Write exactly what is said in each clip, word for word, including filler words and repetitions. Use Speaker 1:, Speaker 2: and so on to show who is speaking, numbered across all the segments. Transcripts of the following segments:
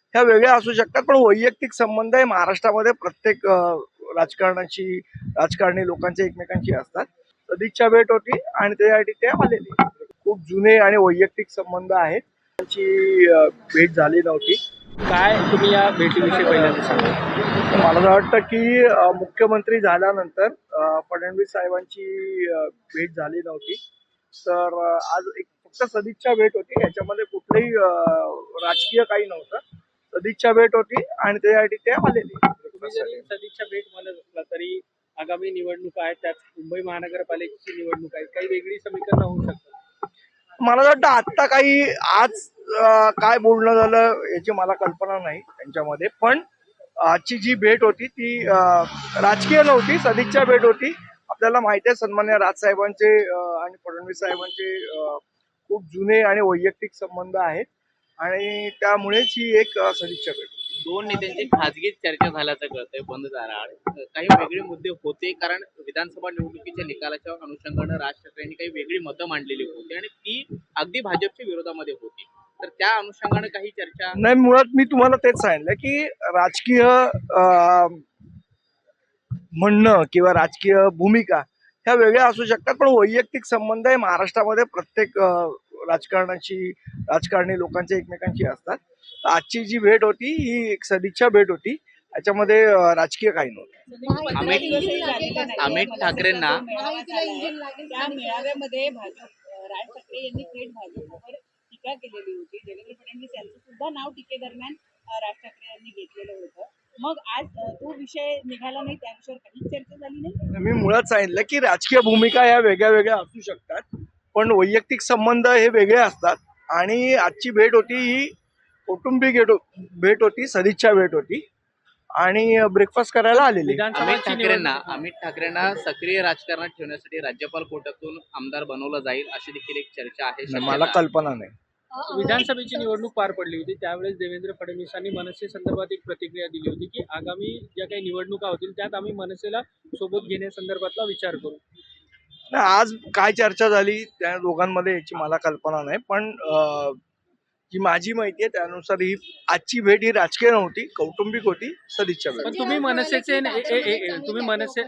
Speaker 1: ह्या वेगळ्या असू शकतात, पण वैयक्तिक संबंध हे महाराष्ट्रामध्ये प्रत्येक राजकारणाची राजकारणी लोकांचे एकमेकांशी असतात. सदिच्छा भेट होती आणि त्यासाठी ते आलेले. खूप जुने आणि वैयक्तिक संबंध आहेत, त्यांची भेट झाली नव्हती.
Speaker 2: काय तुम्ही या भेटीविषयी पहिल्यांदा सांगा?
Speaker 1: मला असं वाटतं की मुख्यमंत्री झाल्यानंतर फडणवीस साहेबांची भेट झाली नव्हती, तर आज एक फक्त सदिच्छा भेट होती. याच्यामध्ये कुठलंही राजकीय काही नव्हतं. सदिच्छा भेट होती आणि त्यासाठी ते आलेले.
Speaker 2: तुम्ही जरी सदिच्छा भेट म्हणत असला तरी आगामी निवडणूक आहे, त्यात मुंबई महानगरपालिकेची निवडणूक आहे, काही वेगळी समीकरणं होऊ शकतात.
Speaker 1: मला वाटतं आत्ता काही आज काय बोलणं झालं याची मला कल्पना नाही त्यांच्यामध्ये, पण आजची जी भेट होती ती राजकीय नव्हती, सदिच्छा भेट होती. आपल्याला माहिती आहे सन्मान्य राजसाहेबांचे आणि फडणवीस साहेबांचे खूप जुने आणि वैयक्तिक संबंध आहेत आणि त्यामुळेच ही एक सदिच्छा भेट.
Speaker 3: दोन नेत्यांची खाजगी चर्चा झाल्याचं कळतंय बंद दाराआड. काही वेगळे मुद्दे होते, कारण विधानसभा निवडणुकीच्या निकालाच्या अनुषंगाने राज ठाकरेंनी काही वेगळी मतं मांडलेली होती आणि ती अगदी भाजपच्या विरोधामध्ये होती. तर त्या अनुषंगाने काही चर्चा
Speaker 1: नाही. मुळात मी तुम्हाला तेच सांगितलं की राजकीय म्हणणं किंवा राजकीय भूमिका ह्या वेगळ्या असू शकतात, पण वैयक्तिक संबंध हे महाराष्ट्रामध्ये प्रत्येक राजकारणाची राजकारणी लोकांचे एकमेकांशी असतात. आजची जी भेट होती ही एक सदिच्छा भेट होती, याच्यामध्ये राजकीय काही नव्हतं.
Speaker 3: अमित अमित ठाकरेंना
Speaker 4: त्या मेळाव्यामध्ये भाजप राज ठाकरे यांनी थेट भाजपवर टीका केलेली होती. देवेंद्र फडणवीस यांचं सुद्धा नाव टीकेदरम्यान राज ठाकरे यांनी घेतलेलं होतं. मग आज तो विषय निघाला नाही, त्या विषयावर काही चर्चा झाली नाही.
Speaker 1: मी मुळात सांगितलं की राजकीय भूमिका या वेगळ्या वेगळ्या असू शकतात, पण वैयक्तिक संबंध हे वेगळे असतात. आणि आजची भेट होती ही कौटुंबिक भेट होती, सदिच्छा भेट होती आणि ब्रेकफास्ट करायला आलेली.
Speaker 3: अमित ठाकरेंना अमित ठाकरेंना सक्रिय राजकारणात ठेवण्यासाठी राज्यपाल कोट्यातून आमदार बनवलं जाईल अशी देखील एक चर्चा आहे.
Speaker 1: मला कल्पना नाही.
Speaker 2: विधानसभेची निवडणूक पार पडली होती, त्यावेळेस देवेंद्र फडणवीसांनी मनसे संदर्भात एक प्रतिक्रिया दिली होती की आगामी ज्या काही निवडणुका होतील त्यात आम्ही मनसेला सोबत घेण्यासंदर्भातला विचार करू.
Speaker 1: आज काय चर्चा झाली त्या दोघांमध्ये याची मला कल्पना नाही, पण जी माझी माहिती आहे त्यानुसार ही आजची भेट ही राजकीय नव्हती, कौटुंबिक होती, सदिच्छा भेट.
Speaker 2: पण तुम्ही मनसेचे तुम्ही मनसे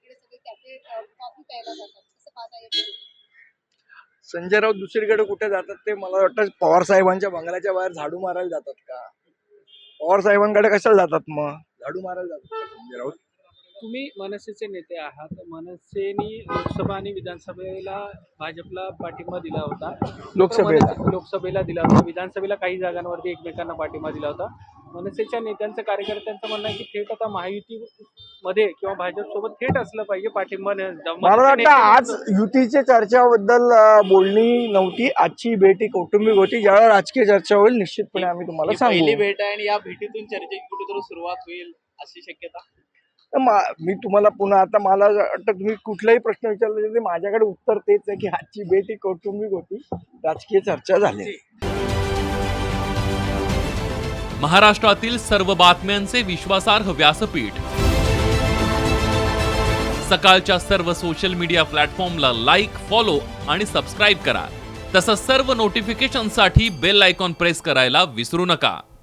Speaker 1: संजय राऊत दुसरीकडे कुठे जातात ते मला वाटतं पवार साहेबांच्या बंगल्याच्या बाहेर झाडू मारायला जातात का? पवार साहेबांकडे कशाला जातात, मग झाडू मारायला जातात का संजय राऊत?
Speaker 2: तुम्ही मनसेचे नेते आहात. मनसेनी लोकसभा आणि विधानसभेला भाजपला पाठिंबा दिला होता,
Speaker 1: लोकसभेला
Speaker 2: लोकसभेला दिला होता, विधानसभेला काही जागांवरती एकमेकांना पाठिंबा दिला होता. मनसेच्या नेत्यांचं कार्यकर्त्यांचं म्हणणं आहे की थेट आता महायुतीमध्ये किंवा भाजप सोबत थेट असलं पाहिजे पाठिंबा.
Speaker 1: मला वाटतं आज युतीच्या चर्चाबद्दल बोलणी नव्हती, आजची भेट ही कौटुंबिक होती. ज्यावेळेला राजकीय चर्चा होईल निश्चितपणे आम्ही तुम्हाला सांगू.
Speaker 3: पहिली भेट आहे आणि या भेटीतून चर्चेची कुठेतरी सुरुवात होईल अशी शक्यता.
Speaker 1: मी तुम्हाला पुन्हा आता मला वाटतं तुम्ही कुठलाही प्रश्न विचारला तरी माझ्याकडे उत्तर तेच आहे की आजची भेट ही कौटुंबिक होती, राजकीय चर्चा झाली.
Speaker 5: महाराष्ट्रातील सर्व बातम्यांचे विश्वासार्ह व्यासपीठ, सकाळच्या सर्व सोशल मीडिया प्लॅटफॉर्मला लाईक, फॉलो आणि सबस्क्राईब करा. तसंच सर्व नोटिफिकेशनसाठी बेल आयकॉन प्रेस करायला विसरू नका.